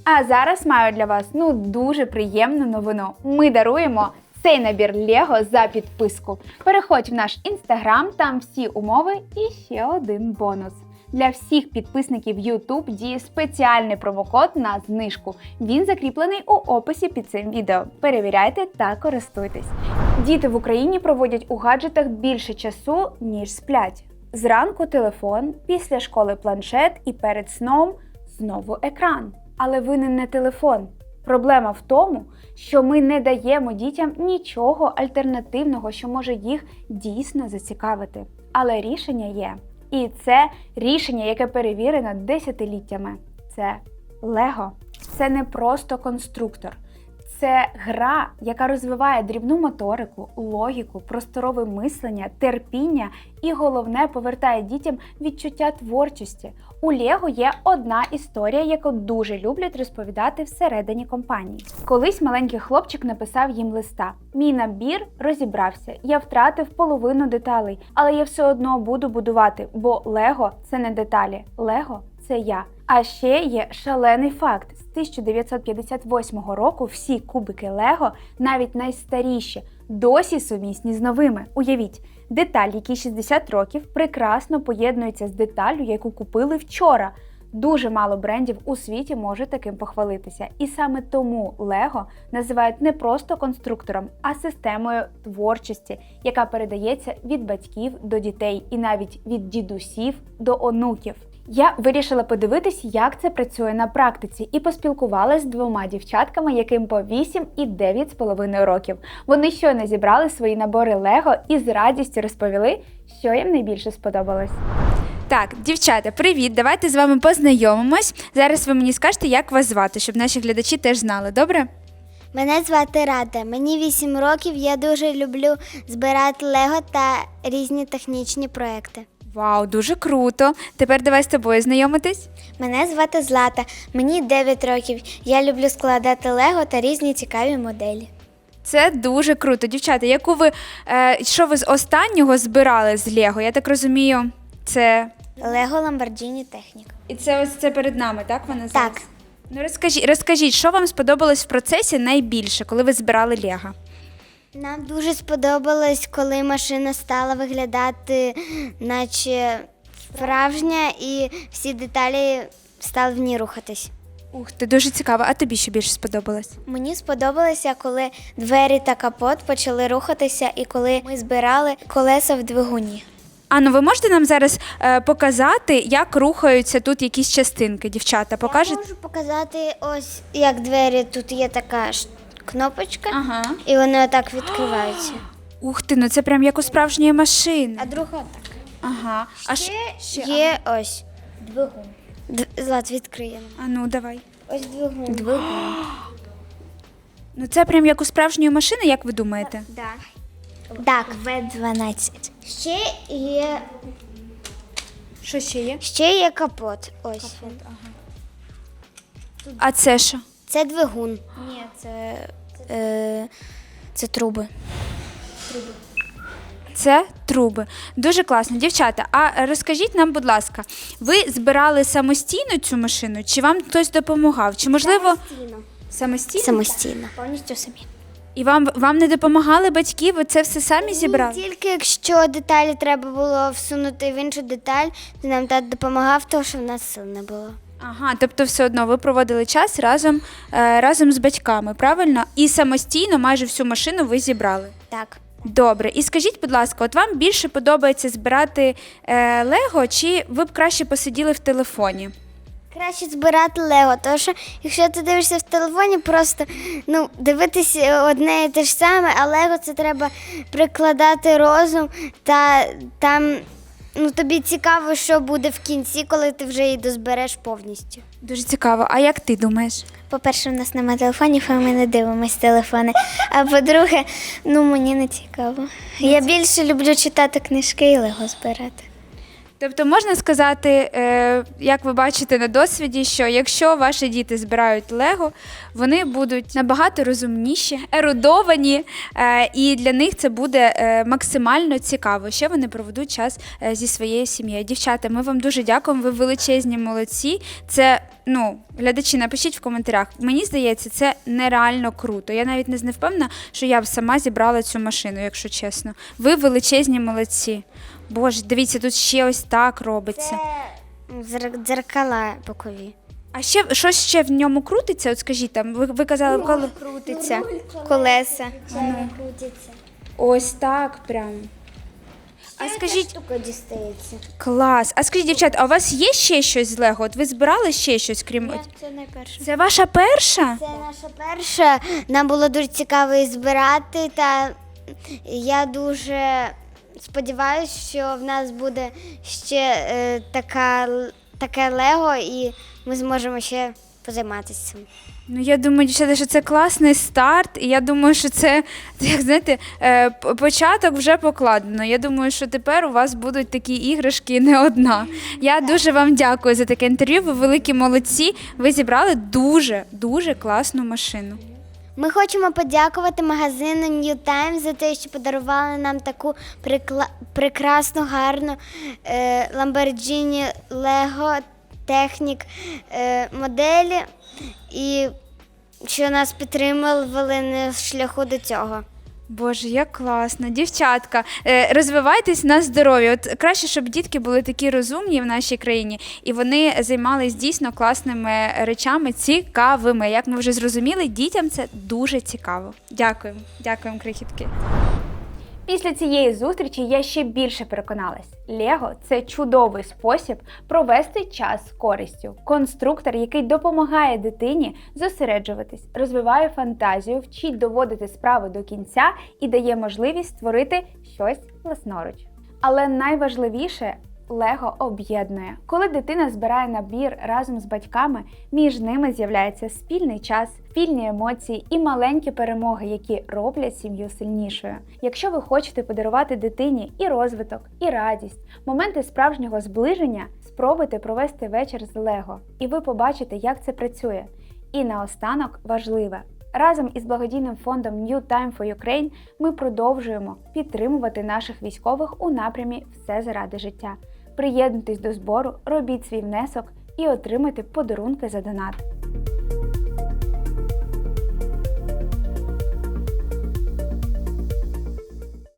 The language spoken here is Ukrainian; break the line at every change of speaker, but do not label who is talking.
А зараз маю для вас дуже приємну новину. Ми даруємо цей набір Лего за підписку. Переходь в наш інстаграм, там всі умови і ще один бонус. Для всіх підписників YouTube діє спеціальний промокод на знижку. Він закріплений у описі під цим відео. Перевіряйте та користуйтесь. Діти в Україні проводять у гаджетах більше часу, ніж сплять. Зранку телефон, після школи планшет і перед сном знову екран. Але винен не телефон. Проблема в тому, що ми не даємо дітям нічого альтернативного, що може їх дійсно зацікавити. Але рішення є. І це рішення, яке перевірено десятиліттями. Це Лего. Це не просто конструктор. Це гра, яка розвиває дрібну моторику, логіку, просторове мислення, терпіння і, головне, повертає дітям відчуття творчості. У Лего є одна історія, яку дуже люблять розповідати всередині компанії. Колись маленький хлопчик написав їм листа. «Мій набір розібрався, я втратив половину деталей, але я все одно буду будувати, бо Лего – це не деталі, Лего – це я». А ще є шалений факт. З 1958 року всі кубики Лего, навіть найстаріші, досі сумісні з новими. Уявіть, деталь, якій 60 років, прекрасно поєднується з деталлю, яку купили вчора. Дуже мало брендів у світі може таким похвалитися. І саме тому Лего називають не просто конструктором, а системою творчості, яка передається від батьків до дітей і навіть від дідусів до онуків. Я вирішила подивитись, як це працює на практиці, і поспілкувалася з двома дівчатками, яким по 8 і 9,5 років. Вони щойно зібрали свої набори Лего і з радістю розповіли, що їм найбільше сподобалось. Так, дівчата, привіт! Давайте з вами познайомимось. Зараз ви мені скажете, як вас звати, щоб наші глядачі теж знали, добре?
Мене звати Рада, мені 8 років, я дуже люблю збирати Лего та різні технічні проекти.
Вау, дуже круто! Тепер давай з тобою знайомитись.
Мене звати Злата, мені 9 років, я люблю складати Лего та різні цікаві моделі.
Це дуже круто. Дівчата, що ви з останнього збирали з Лего? Я так розумію, це...
Лего Ламборджіні Техніка.
І це ось це перед нами, так вона зараз?
Так.
Ну розкажіть, що вам сподобалось в процесі найбільше, коли ви збирали Лего?
Нам дуже сподобалось, коли машина стала виглядати наче справжня і всі деталі стали в ній рухатись.
Ух ти, дуже цікаво. А тобі що більше сподобалось?
Мені сподобалося, коли двері та капот почали рухатися і коли ми збирали колеса в двигуні.
Анно, ви можете нам зараз показати, як рухаються тут якісь частинки, дівчата? Покажете?
Я можу показати ось, як двері, тут є така кнопочка,
Ага.
і вони отак відкриваються.
Ух ти, ну це прям як у справжньої машини.
А друга так.
Ага. А
Ще є ось двигун. Злат, відкриємо.
А ну, давай.
Ось двигун.
Ну це прям як у справжньої машини, як ви думаєте?
Так, В12. Ще є...
Що ще є?
Ще є капот. Ось.
А це що?
Це двигун. Ні, це труби.
Це труби. Дуже класно. Дівчата, а розкажіть нам, будь ласка, ви збирали самостійно цю машину, чи вам хтось допомагав? Чи, можливо, самостійно?
Самостійно. Повністю самі.
І вам не допомагали батьки, ви це все самі зібрали?
Тільки якщо деталі треба було всунути в іншу деталь, то нам тато допомагав, тому що в нас сил не було.
Ага, тобто все одно ви проводили час разом з батьками, правильно? І самостійно майже всю машину ви зібрали?
Так.
Добре. І скажіть, будь ласка, от вам більше подобається збирати Лего, чи ви б краще посиділи в телефоні?
Краще збирати Лего, тому що якщо ти дивишся в телефоні, просто дивитись одне і те ж саме, а Лего це треба прикладати розум, та там тобі цікаво, що буде в кінці, коли ти вже її дозбереш повністю.
Дуже цікаво. А як ти думаєш?
По-перше, у нас немає телефонів, а ми не дивимось телефони. А по-друге, мені не цікаво. Я більше люблю читати книжки і Лего збирати.
Тобто можна сказати, як ви бачите на досвіді, що якщо ваші діти збирають Лего, вони будуть набагато розумніші, ерудовані, і для них це буде максимально цікаво. Ще вони проведуть час зі своєю сім'єю. Дівчата, ми вам дуже дякуємо, ви величезні молодці. Це, глядачі, напишіть в коментарях. Мені здається, це нереально круто. Я навіть не впевнена, що я б сама зібрала цю машину, якщо чесно. Ви величезні молодці. Боже, дивіться, тут ще ось так робиться.
Це дзеркала бокові.
А щось ще в ньому крутиться? От скажіть, там, ви казали, коли
Крутиться. Колеса. Крутиться.
ось так прям. А скажіть,
Штука дістається.
клас. А скажіть, дівчат, а у вас є ще щось з Лего? От ви збирали ще щось, крім...
Це найперше.
Це ваша перша?
Це наша перша. Нам було дуже цікаво її збирати, та я дуже сподіваюся, що в нас буде ще таке Лего, і ми зможемо ще позайматися цим.
Ну, я думаю, дівчата, що це класний старт, і я думаю, що це, як знаєте, початок вже покладено. Я думаю, що тепер у вас будуть такі іграшки не одна. Я дуже вам дякую за таке інтерв'ю, ви великі молодці, ви зібрали дуже класну машину.
Ми хочемо подякувати магазину New Time за те, що подарували нам таку прекрасну, гарну Lamborghini Lego Technic моделі, і що нас підтримували на шляху до цього.
Боже, як класно. Дівчатка, розвивайтесь на здоров'я. От краще, щоб дітки були такі розумні в нашій країні, і вони займались дійсно класними речами, цікавими. Як ми вже зрозуміли, дітям це дуже цікаво. Дякуємо. Дякуємо, крихітки. Після цієї зустрічі я ще більше переконалась. Лего – це чудовий спосіб провести час з користю. Конструктор, який допомагає дитині зосереджуватись, розвиває фантазію, вчить доводити справи до кінця і дає можливість створити щось власноруч. Але найважливіше – Лего об'єднує. Коли дитина збирає набір разом з батьками, між ними з'являється спільний час, спільні емоції і маленькі перемоги, які роблять сім'ю сильнішою. Якщо ви хочете подарувати дитині і розвиток, і радість, моменти справжнього зближення, спробуйте провести вечір з Лего, і ви побачите, як це працює. І наостанок важливе. Разом із благодійним фондом New Time for Ukraine ми продовжуємо підтримувати наших військових у напрямі «Все заради життя». Приєднуйтесь до збору, робіть свій внесок і отримайте подарунки за донат.